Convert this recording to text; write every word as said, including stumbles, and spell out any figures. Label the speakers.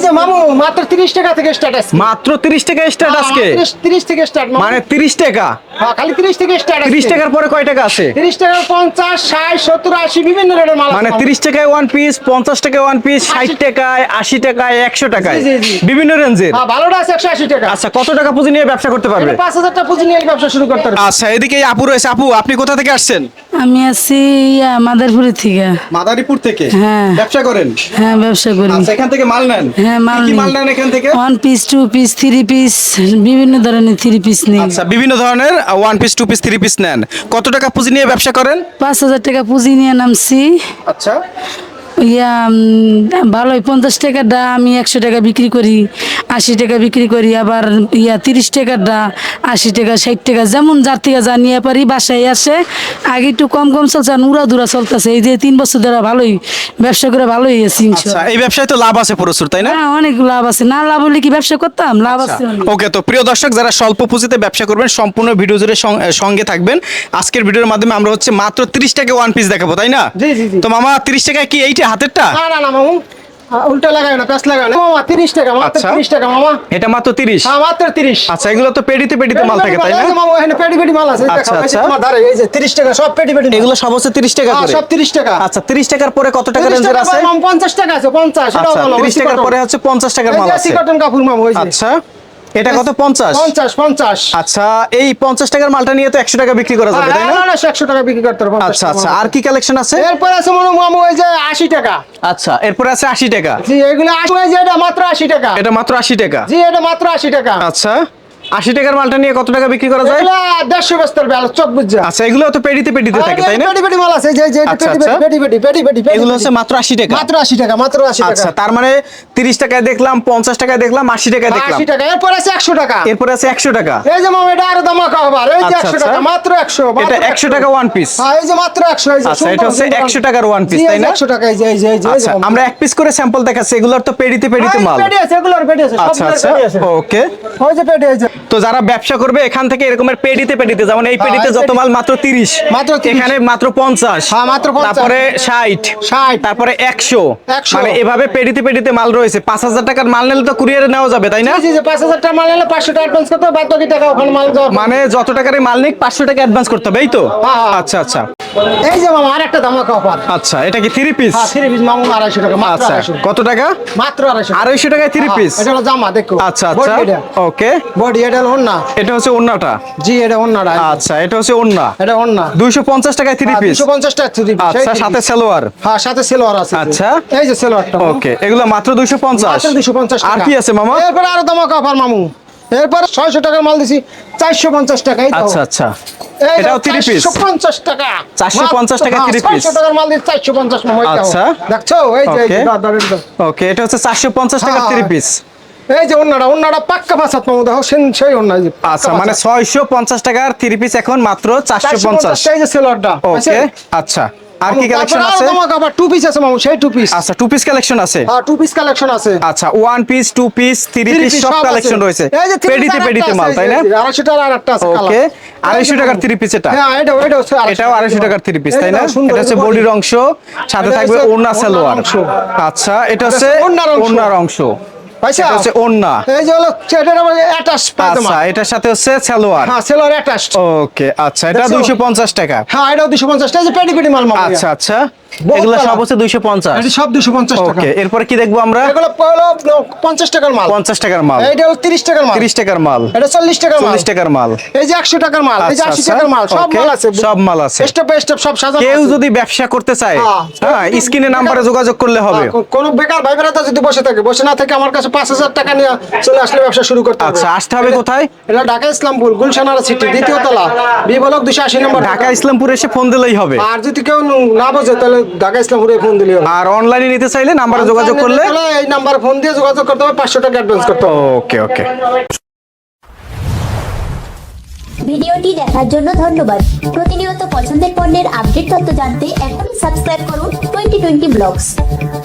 Speaker 1: যে মামু মাত্র তিরিশ টাকা থেকে স্টার্ট আছে।
Speaker 2: মাত্র তিরিশ টাকা স্টার্ট আজকে?
Speaker 1: তিরিশ থেকে স্টার্ট
Speaker 2: মানে তিরিশ টাকা?
Speaker 1: হ্যাঁ খালি তিরিশ থেকে স্টার্ট আছে।
Speaker 2: তিরিশ টাকার পরে কয় টাকা আছে?
Speaker 1: তিরিশ টাকা পঞ্চাশ ষাট সত্তর আশি বিভিন্ন রেটের মাল।
Speaker 2: মানে তিরিশ টাকায় ওয়ান পিস, পঞ্চাশ টাকায় ওয়ান পিস, ষাট টাকায়, আশি টাকায়, একশো টাকায়, বিভিন্ন রেঞ্জের।
Speaker 1: হ্যাঁ ভালোটা আছে একশো আশি টাকা।
Speaker 2: আচ্ছা কত টাকা পুঁজি নিয়ে ব্যবসা করতে পারবে?
Speaker 1: পাঁচ হাজার টাকা পুঁজি নিয়ে ব্যবসা শুরু করতে পারবে।
Speaker 2: আচ্ছা এদিকে আপু রয়েছে। আপু আপনি কোথা থেকে আসছেন?
Speaker 3: আমি আছি ইয়া মাদারপুর থেকে।
Speaker 2: মাদারীপুর থেকে?
Speaker 3: হ্যাঁ।
Speaker 2: ব্যবসা করেন?
Speaker 3: হ্যাঁ ব্যবসা করি।
Speaker 2: আচ্ছা এখান থেকে মাল নেন?
Speaker 3: হ্যাঁ মাল
Speaker 2: কি
Speaker 3: নিই।
Speaker 2: মাল নেন এখান থেকে?
Speaker 3: One piece, two piece, three piece, বিভিন্ন ধরনের থ্রি পিস নিই।
Speaker 2: আচ্ছা বিভিন্ন ধরনের one piece, two piece, three piece নেন। কত টাকা পুঁজি নিয়ে ব্যবসা করেন?
Speaker 3: পাঁচ হাজার টাকা পুঁজি নিয়ে নামছি।
Speaker 2: আচ্ছা
Speaker 3: ইয়া উম, ভালোই পঞ্চাশ টাকারটা আমি একশো টাকা বিক্রি করি, আশি টাকা বিক্রি করি, আবার ইয়া তিরিশ টাকারটা আশি টাকা, ষাট টাকা, যেমন যার থেকে যা নিয়ে পারি বাসায় আসে। আগে একটু কম কম চলছে, আর উড়া দুরা চলতেছে। এই যে তিন বছর ধরে ভালোই ব্যবসা করে ভালোই আছি
Speaker 2: আচ্ছা
Speaker 3: ইনশাআল্লাহ।
Speaker 2: এই ব্যবসায় তো লাভ আছে প্রচুর, তাই না?
Speaker 3: হ্যাঁ অনেক লাভ আছে। না লাভ হলে কি ব্যবসা করতাম? লাভ আছে অনেক।
Speaker 2: ওকে, তো প্রিয় দর্শক যারা স্বল্প পুঁজিতে ব্যবসা করবেন সম্পূর্ণ ভিডিও জুড়ে সং- সঙ্গে থাকবেন। আজকের ভিডিওর মাধ্যমে আমরা হচ্ছে মাত্র তিরিশ টাকা ওয়ান পিস দেখাবো, তাই না?
Speaker 1: জি জি জি।
Speaker 2: তো মামা তিরিশ টাকায় কি এইটা হাতেরটা?
Speaker 1: না না না মামু উল্টা লাগায় না, প্যাস লাগায় না মামা। তিরিশ টাকা মাত্র
Speaker 2: আচ্ছা।
Speaker 1: তিরিশ টাকা মামা।
Speaker 2: এটা মাত্র তিরিশ?
Speaker 1: হ্যাঁ মাত্র তিরিশ।
Speaker 2: আচ্ছা এগুলো তো পেডিতে পেডিতে মাল থাকে, তাই না?
Speaker 1: এই যে মামু এখানে পেডি পেডি মাল আছে
Speaker 2: আচ্ছা,
Speaker 1: দেখো। এই যে
Speaker 2: আচ্ছা।
Speaker 1: তোমার ধারে এই যে তিরিশ টাকা সব পেডি পেডি।
Speaker 2: এগুলো সব হচ্ছে তিরিশ টাকা
Speaker 1: হ্যাঁ
Speaker 2: করে?
Speaker 1: সব তিরিশ টাকা।
Speaker 2: আচ্ছা তিরিশ টাকার পরে কত টাকা
Speaker 1: তিরিশ
Speaker 2: রেঞ্জের
Speaker 1: টাকা
Speaker 2: আছে?
Speaker 1: মামু পঞ্চাশ টাকা আছে পঞ্চাশ। এটাও
Speaker 2: আচ্ছা
Speaker 1: ভালো।
Speaker 2: তিরিশ টাকার পরে হচ্ছে পঞ্চাশ টাকার মাল আছে।
Speaker 1: কটন কাপড় মামু এই যে।
Speaker 2: আচ্ছা এটা কত? পঞ্চাশ?
Speaker 1: পঞ্চাশ পঞ্চাশ।
Speaker 2: আচ্ছা এই পঞ্চাশ টাকার মালটা নিয়ে তো একশো টাকা বিক্রি করা যাবে, তাই না?
Speaker 1: হ্যাঁ না একশো টাকা বিক্রি করতে পারবো।
Speaker 2: আচ্ছা আচ্ছা আর কি কালেকশন আছে?
Speaker 1: এরপর আছে মামু মামু এই যে আশি টাকা।
Speaker 2: আচ্ছা এরপরে আছে আশি টাকা?
Speaker 1: জি এগুলো আশি এই যে এটা মাত্র আশি টাকা।
Speaker 2: এটা মাত্র আশি টাকা?
Speaker 1: জি এটা মাত্র আশি টাকা।
Speaker 2: আচ্ছা আশি টাকার মালটা নিয়ে কত টাকা বিক্রি করা যায়?
Speaker 1: এগুলো দেড়শো বস্তার বেলা চোখ বুঝছে।
Speaker 2: আচ্ছা এগুলো তো পেডিতে পেডিতে থাকে, তাই না?
Speaker 1: পেডি পেডি মাল আছে যে যে
Speaker 2: আচ্ছা,
Speaker 1: পেডি
Speaker 2: আচ্ছা।
Speaker 1: পেডি পেডি পেডি পেডি পেডি
Speaker 2: এগুলো হচ্ছে মাত্র আশি টাকা?
Speaker 1: মাত্র আশি টাকা মাত্র আশি টাকা।
Speaker 2: আচ্ছা তার মানে তিরিশ টাকায় দেখলাম, পঞ্চাশ টাকায় দেখলাম, আশি টাকায় দেখলাম,
Speaker 1: আশি টাকা। এরপর আছে একশো টাকা।
Speaker 2: এরপরে আছে একশো টাকা।
Speaker 1: এই যে মামা এটা আরো দামাকা আবার এই যে
Speaker 2: আচ্ছা,
Speaker 1: একশো
Speaker 2: আচ্ছা।
Speaker 1: টাকা মাত্র একশো।
Speaker 2: এটা একশো টাকা ওয়ান পিস?
Speaker 1: হ্যাঁ এই যে মাত্র একশো। এই যে
Speaker 2: আচ্ছা এটা হচ্ছে একশো টাকার ওয়ান পিস, তাই না?
Speaker 1: একশো টাকা এই যে এই যে এই যে
Speaker 2: আচ্ছা আমরা এক পিস করে স্যাম্পল দেখাচ্ছি, এগুলোর তো পেডিতে পেডিতে মাল।
Speaker 1: পেডি আছে এগুলোর পেডি আছে
Speaker 2: আচ্ছা আচ্ছা ওকে।
Speaker 1: ওই যে পেডি আছে।
Speaker 2: তো যারা ব্যবসা করবে এখান থেকে এরকমের পেডিতে পেডিতে, যেমন এই পেডিতে
Speaker 1: এই
Speaker 2: যত
Speaker 1: পেডি-
Speaker 2: মাল মাত্র তিরিশ,
Speaker 1: মাত্র তিরিশ।
Speaker 2: এখানে মাত্র পঞ্চাশ,
Speaker 1: হ্যাঁ, মাত্র পঞ্চাশ।
Speaker 2: তারপরে ষাট,
Speaker 1: ষাট।
Speaker 2: তারপরে একশো,
Speaker 1: একশো।
Speaker 2: মানে এভাবে পেডিতে পেডিতে মাল রয়েছে। পাঁচ হাজার টাকার মাল নিলে তো কুরিয়ারে নেওয়া যাবে, তাই না?
Speaker 1: জি জি পাঁচ হাজার টাকা মাল নিলে পাঁচশো টাকা অ্যাডভান্স করতে হবে, বাদ বাকি টাকা ওখানে মাল দেওয়া।
Speaker 2: মানে যত টাকার মাল নিক পাঁচশো টাকা অ্যাডভান্স করতে হবে, এই তো?
Speaker 1: হ্যাঁ, হ্যাঁ।
Speaker 2: আচ্ছা আচ্ছা
Speaker 1: এই যে মামা আরেকটা দামাকা অফার।
Speaker 2: আচ্ছা এটা কি থ্রি পিস?
Speaker 1: হ্যাঁ থ্রি পিস মামু আড়াইশো টাকা মাত্র
Speaker 2: আচ্ছা
Speaker 1: আড়াইশো।
Speaker 2: কত টাকা?
Speaker 1: মাত্র আড়াইশো।
Speaker 2: আড়াইশো টাকায় থ্রি পিস?
Speaker 1: এটা হলো জামা দেখো।
Speaker 2: আচ্ছা আচ্ছা ওকে।
Speaker 1: বডি এটা হলো ওন্না।
Speaker 2: এটা হচ্ছে ওন্নাটা?
Speaker 1: জি এটা ওন্নাটা।
Speaker 2: আচ্ছা এটা হচ্ছে ওন্না।
Speaker 1: এটা ওন্না।
Speaker 2: দুইশো পঞ্চাশ টাকায় থ্রি পিস?
Speaker 1: দুইশো পঞ্চাশ টাকা থ্রি পিস।
Speaker 2: আচ্ছা সাথে সালোয়ার?
Speaker 1: হ্যাঁ সাথে সেলোয়ার আছে।
Speaker 2: আচ্ছা।
Speaker 1: এই যে সেলোয়ারটা।
Speaker 2: ওকে এগুলো মাত্র দুইশো পঞ্চাশ?
Speaker 1: মাত্র দুইশো পঞ্চাশ টাকা।
Speaker 2: আর কি আছে মামা?
Speaker 1: এরপর আরো দামাকা অফার মামু। এরপর ছয়শো টাকার মাল দিছি চারশো পঞ্চাশ টাকা। এই তো।
Speaker 2: আচ্ছা আচ্ছা
Speaker 1: এই
Speaker 2: এটাও থ্রি পিস?
Speaker 1: চারশো পঞ্চাশ টাকা।
Speaker 2: চারশো পঞ্চাশ টাকা
Speaker 1: হ্যাঁ,
Speaker 2: three piece?
Speaker 1: ছয়শো টাকার মাল দিছি চারশো পঞ্চাশ মামু। এই দেখো।
Speaker 2: আচ্ছা।
Speaker 1: দেখছো এই যে এই যে
Speaker 2: Okay.
Speaker 1: দাঁড় দাঁড় দাঁড়।
Speaker 2: ওকে এটা হচ্ছে চারশো পঞ্চাশ টাকা
Speaker 1: হ্যাঁ,
Speaker 2: থ্রি
Speaker 1: হ্যাঁ।
Speaker 2: পিস?
Speaker 1: এই যে ওন্নাটা ওন্নাটা পাক্কা ভাষাত মামু দেখো সেন- সেই ওন্না এই যে পাক্কা
Speaker 2: আচ্ছা মানে
Speaker 1: ভাষাত।
Speaker 2: ছয়শো পঞ্চাশ টাকার থ্রি পিস এখন মাত্র চারশো পঞ্চাশ?
Speaker 1: এই যে সেলোয়ারটা।
Speaker 2: ওকে আচ্ছা আর কি কালেকশন আছে?
Speaker 1: আবার টু পিস আছে মামু সেই টু পিস।
Speaker 2: আচ্ছা টু পিস কালেকশন আছে?
Speaker 1: হ্যাঁ টু পিস কালেকশন আছে।
Speaker 2: আচ্ছা one piece, two piece, three piece সব কালেকশন রয়েছে পেডিতে পেডিতে মাল, তাই না?
Speaker 1: আড়াইশো টাকার আরেকটা আছে কালার।
Speaker 2: ওকে আড়াইশো টাকার থ্রি পিস এটা?
Speaker 1: হ্যাঁ এটা এটা হচ্ছে
Speaker 2: এটাও আড়াইশো টাকার থ্রি পিস, তাই না? এটা হচ্ছে বডির অংশ, সাথে
Speaker 1: এটা
Speaker 2: থাকবে
Speaker 1: হচ্ছে
Speaker 2: ওড়না সালোয়ার।
Speaker 1: অংশ।
Speaker 2: আচ্ছা এটা হচ্ছে
Speaker 1: ওড়নার অংশ।
Speaker 2: ওড়নার অংশ,
Speaker 1: পয়সা
Speaker 2: এটা হচ্ছে ওড়না।
Speaker 1: এই যে হলো এটার আবার অ্যাটাচ পায়জামা।
Speaker 2: আচ্ছা এটার সাথে হচ্ছে সালোয়ার।
Speaker 1: হ্যাঁ সেলোয়ার অ্যাটাচড।
Speaker 2: ওকে আচ্ছা এটা
Speaker 1: দেখছো?
Speaker 2: দুইশো পঞ্চাশ টাকা?
Speaker 1: হ্যাঁ এটাও দুইশো পঞ্চাশ টাকা। এই যে পেডি পেডি মাল মামু।
Speaker 2: আচ্ছা আচ্ছা
Speaker 1: বহুত
Speaker 2: এগুলো
Speaker 1: কালার।
Speaker 2: সব হচ্ছে দুইশো পঞ্চাশ?
Speaker 1: এটা সব দুইশো পঞ্চাশ টাকা।
Speaker 2: ওকে এরপরে কি দেখবো আমরা?
Speaker 1: এগুলো হলো পঞ্চাশ টাকার মাল।
Speaker 2: পঞ্চাশ টাকার মাল?
Speaker 1: এইটা হলো তিরিশ টাকার মাল।
Speaker 2: তিরিশ টাকার মাল?
Speaker 1: এটা চল্লিশ টাকার মাল।
Speaker 2: চল্লিশ টাকার মাল?
Speaker 1: এই যে একশো টাকার মাল। এই যে
Speaker 2: আচ্ছা,
Speaker 1: আশি
Speaker 2: আচ্ছা।
Speaker 1: টাকার মাল। সব
Speaker 2: Okay,
Speaker 1: মাল আছে।
Speaker 2: সব মাল আছে।
Speaker 1: স্টেপ বাই স্টেপ সব সাজানো
Speaker 2: কেউ
Speaker 1: আছে।
Speaker 2: যদি ব্যবসা করতে চায়
Speaker 1: হ্যাঁ।
Speaker 2: হ্যাঁ স্ক্রিনে নাম্বারে যোগাযোগ করলে হবে?
Speaker 1: হ্যাঁ, কোন বেকার ভাই বেড়াতে যদি বসে থাকে, বসে না থাকে আমার কাছে পাঁচ হাজার টাকা নিয়ে চলে আসলে ব্যবসা শুরু করতে হবে।
Speaker 2: আচ্ছা আসতে হবে কোথায়?
Speaker 1: এটা ঢাকা ইসলামপুর গুলশানারা সিটি দ্বিতীয় তলা বি ব্লক দুশো আশি নম্বর।
Speaker 2: ঢাকা ইসলামপুরে এসে ফোন দিলেই হবে?
Speaker 1: আর যদি কেউ না বোঝে তাহলে ঢাকা ইসলামপুরে ফোন দিলে হবে।
Speaker 2: আর অনলাইনে নিতে চাইলে নাম্বারে যোগাযোগ করলে?
Speaker 1: তাহলে এই নাম্বার ফোন দিয়ে যোগাযোগ করতে হবে, পাঁচশো টাকা অ্যাডভান্স করতে হবে।
Speaker 2: ওকে ওকে।
Speaker 4: ভিডিওটি দেখার জন্য ধন্যবাদ। প্রতিনিয়ত পছন্দের পণ্যের আপডেট তথ্য জানতে এখনই সাবস্ক্রাইব করুন টোয়েন্টি টোয়েন্টি ব্লগস।